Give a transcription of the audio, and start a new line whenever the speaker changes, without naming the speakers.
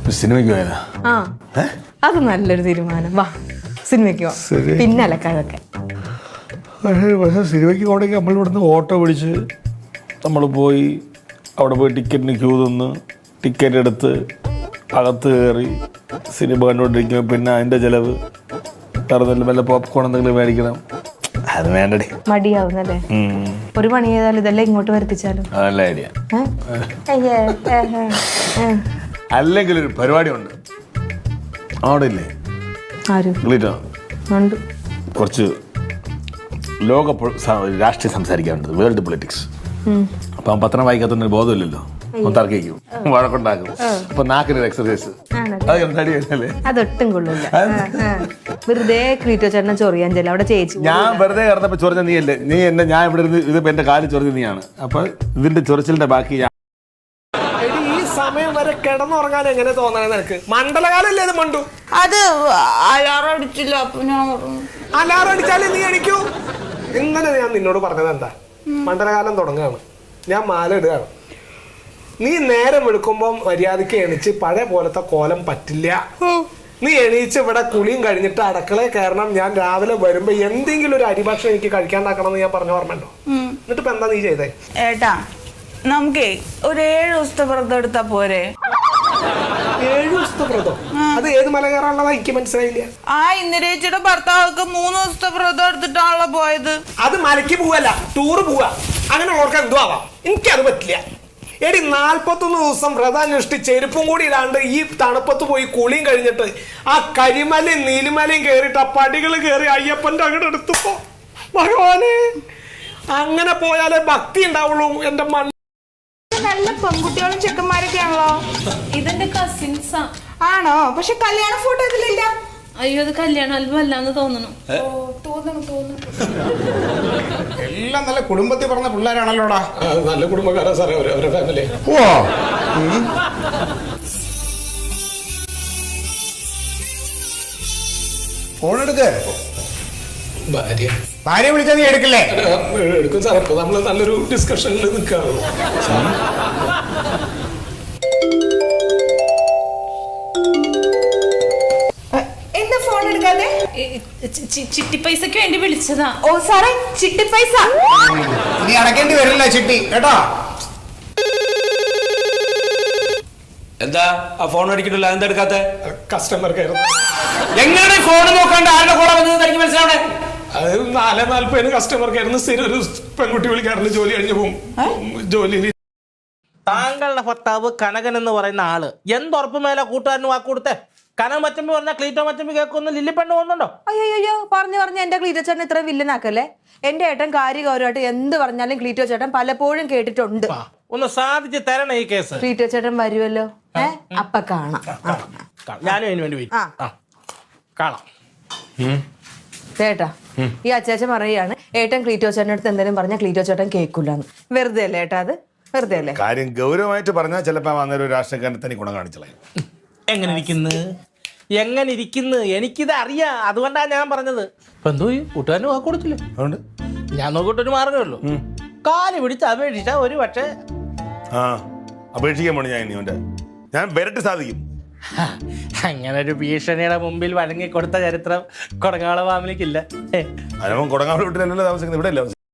സിനിമയ്ക്ക് പോയതാ?
ആ അത് നല്ലൊരു തീരുമാനം. വാ സിനിമയ്ക്ക് പോവാം. പിന്നെ അലക്കാതൊക്കെ.
പക്ഷേ സിനിമയ്ക്ക് പോകണമെങ്കിൽ നമ്മൾ ഇവിടുന്ന് ഓട്ടോ പിടിച്ച് നമ്മൾ പോയി അവിടെ പോയി ടിക്കറ്റിന് ക്യൂ നിന്ന് ടിക്കറ്റ് എടുത്ത് അകത്ത് കയറി സിനിമ കണ്ടുകൊണ്ടിരിക്കുമ്പോൾ പിന്നെ അതിൻ്റെ ചിലവ് കറന്നില്ല വല്ല പോപ്കോൺ എന്തെങ്കിലും മേടിക്കണം. അത് വേണ്ടടി,
മടിയാവുന്നല്ലേ? ഒരു പണി ചെയ്താലും ഇതെല്ലാം ഇങ്ങോട്ട് വരുത്തിച്ചാലും
അതല്ല ഐഡിയ. അല്ലെങ്കിൽ ഒരു പരിപാടി ഉണ്ട് അവിടെ ഇല്ലേ, കുറച്ച് ലോക രാഷ്ട്രീയം സംസാരിക്കാറുണ്ട്, വേൾഡ് പൊളിറ്റിക്സ്. അപ്പം പത്രം വായിക്കാത്തൊന്നും ബോധമില്ലല്ലോ, തർക്കിക്കും, വഴക്കുണ്ടാക്കും. അപ്പൊ നാക്കിനൊരു എക്സർസൈസ്
അതൊട്ടും കൊള്ളില്ല. വെറുതെ ക്രീറ്റോ ചേട്ടനെ ചൊറിയാൻ ചെല്ല അവിടെ ചേച്ചി.
ഞാൻ വെറുതെ കിടന്നപ്പോ ചൊറിഞ്ഞ നീയല്ലേ, നീ എന്നെ ഞാൻ ഇവിടെ ഇരുന്ന് ഇതിപ്പോ എന്റെ കാലിൽ ചൊറിഞ്ഞ നീയാണ്. അപ്പൊ ഇതിന്റെ ചൊറിച്ചിലിന്റെ ബാക്കി
ഈ സമയം വരെ കിടന്നുറങ്ങാൻ എങ്ങനെ തോന്നണേ നിനക്ക്? മണ്ഡലകാലല്ലേ ഇത് മണ്ടു?
അത് അലാറം അടിച്ചില്ല, അപ്പൊ ഞാൻ
അലാറം അടിച്ചാലേ നീ അടിക്കൂ. ഇന്നലെ ഞാൻ നിന്നോട് പറഞ്ഞത് എന്താ, മണ്ഡലകാലം തുടങ്ങുകയാണ്, ഞാൻ മാല ഇടുകയാണ്. നീ നേരം എടുക്കുമ്പോൾ മര്യാദക്ക് എണീച്ച് പഴയ പോലത്തെ കോലം പറ്റില്ല. നീ എണീച്ച് ഇവിടെ കുളിയും കഴിഞ്ഞിട്ട് അടുക്കളയിൽ കയറണം. ഞാൻ രാവിലെ വരുമ്പോ എന്തെങ്കിലും ഒരു അരിഭക്ഷണം എനിക്ക് കഴിക്കാണ്ടാക്കണം എന്ന് ഞാൻ പറഞ്ഞ ഓർമ്മയുണ്ടോ? എന്നിട്ട് ഇപ്പൊ എന്താ നീ ചെയ്തേ?
ഏട്ടാ നമുക്കേ ഒരു 7 ദിവസത്തെ വ്രതം എടുത്താ പോരെ?
7 ദിവസത്തെ വ്രതം? അത് ഏത് മല കയറാനുള്ളതാ എനിക്ക് മനസ്സിലായില്ല.
ആ ഇന്ദിരേച്ചിയുടെ ഭർത്താവൊക്കെ 3 ദിവസത്തെ വ്രതം എടുത്തിട്ടാണല്ലോ പോയത്.
അത് മലയ്ക്ക് പോവല്ല, ടൂറ് പോവാ. അങ്ങനെ ഓർക്കാൻ എന്തോ ആവാം, എനിക്കത് പറ്റില്ല. എടി 41 ദിവസം വ്രതം അനുഷ്ഠിച്ച് ചെരുപ്പും കൂടി ഇടാണ്ട് ഈ തണുപ്പത്ത് പോയി കുളിയും കഴിഞ്ഞിട്ട് ആ കരിമലയും നീലിമലയും കയറിയിട്ട് ആ പടികൾ കയറി അയ്യപ്പന്റെ അങ്ങോട്ട് എടുത്തപ്പോ ഭഗവാനെ, അങ്ങനെ പോയാലേ ഭക്തി ഉണ്ടാവുള്ളൂ. എന്റെ
നല്ല പെൺകുട്ടികളും ചെക്കന്മാരൊക്കെ ആണല്ലോ.
ഇതെന്റെ കസിൻസാ.
ആണോ? പക്ഷെ കല്യാണ ഫോട്ടോ ഇതിലില്ല.
അയ്യോ, അത് കല്യാണ ആൽബം അല്ലാന്ന് തോന്നുന്നു.
എല്ലാം നല്ല കുടുംബത്തിൽ പറഞ്ഞ പിള്ളേരാണല്ലോടാ.
നല്ല കുടുംബക്കാരാ സാറേ അവരുടെ ഫാമിലി.
ഫോൺ എടുക്ക്.
ഭാര്യ
വിളിച്ചാൽ നീ എടുക്കില്ലേ?
എടുക്കും സാർ. ഇപ്പൊ നമ്മള് നല്ലൊരു ഡിസ്കഷനിൽ നിൽക്കാറ്.
എന്താ ഫോൺ എടുക്കാതെ?
ചിട്ടി പൈസക്ക് വേണ്ടി വിളിച്ചതാ.
ഓ സാറേ, ചിട്ടി പൈസ
ഇനി അടക്കേണ്ടി വരില്ല ചിട്ടി കേട്ടോ.
എന്താ ആ ഫോൺ അടിക്കട്ടില്ല, എന്താ എടുക്കാത്ത?
Customer care.
എങ്ങനെ ഫോൺ നോക്കാണ്ട് ആരുടെ കൂടെ വന്നത് എനിക്ക് മനസ്സിലാവണേ?
അത് 4:40 കസ്റ്റമർ കെയറിന് സ്ഥിരം ഒരു പെൺകുട്ടി വിളിക്കാറുണ്ട്. ജോലി കഴിഞ്ഞ് പോകും ജോലി.
താങ്കളുടെ ഭർത്താവ് കനകൻ എന്ന് പറയുന്ന ആള് എന്തുറപ്പ് മേലെ കൂട്ടുകാരന് വാക്ക് കൊടുത്തേ? കനക മച്ചമ്പി പറഞ്ഞാൽ ക്ലീറ്റോ മച്ചമ്പി കേൾക്കൊന്ന് ലില്ലിപ്പെണ്ണ് പോകുന്നുണ്ടോ?
അയ്യോ പറഞ്ഞു എന്റെ ക്ലീറ്റോ ചേട്ടൻ ഇത്ര വില്ലനാക്കല്ലേ. എന്റെ ഏട്ടൻ കാര്യഗൗരവമായിട്ട് എന്ത് പറഞ്ഞാലും ക്ലീറ്റോ ചേട്ടൻ പലപ്പോഴും കേട്ടിട്ടുണ്ട്.
ഒന്ന് സാധിച്ച് തരണം ഈ കേസ്.
ക്ലീറ്റോ ചേട്ടൻ വരുമല്ലോ, അപ്പൊ കാണാം.
ഞാനും അതിന് വേണ്ടി കാണാം.
ചേട്ടാ, ഈ അച്ചാച്ചൻ പറയാണ് ഏട്ടൻ ക്ലീറ്റോ ചേട്ടൻ്റെ അടുത്ത് എന്തെങ്കിലും പറഞ്ഞാൽ ക്ലീറ്റോ ചേട്ടൻ കേൾക്കൂലെന്ന്. വെറുതെ അല്ലേ ഏട്ടാ? അത് വെറുതെ അല്ലേ?
കാര്യം ഗൗരവമായിട്ട് പറഞ്ഞാൽ ചിലപ്പോ അന്നേരം രാഷ്ട്രീയക്കാരനെ തന്നെ ഗുണം കാണിച്ചളെ.
എങ്ങനെ ഇരിക്കുന്നു എനിക്കിത് അറിയാം, അതുകൊണ്ടാണ് ഞാൻ പറഞ്ഞത്. ഇപ്പൊ എന്തോ കൂട്ടുകാരന് വാക്ക് കൊടുത്തില്ലേ?
അതുകൊണ്ട്
ഞാൻ നോക്കിയിട്ടൊരു മാർഗമല്ലോ, കാല് പിടിച്ച് അപേക്ഷിച്ച ഒരു പക്ഷേ
അപേക്ഷിക്കാൻ പോണ ഞാൻ വരട്ട് സാധിക്കും.
അങ്ങനെ ഒരു ഭീഷണിയുടെ മുമ്പിൽ വഴങ്ങിക്കൊടുത്ത ചരിത്രം കൊടങ്ങാള ഫാമിലിക്കില്ല.
കൊടങ്ങാള വീട്ടിലല്ലോ താമസിക്കുന്നത്, ഇവിടെ അല്ല.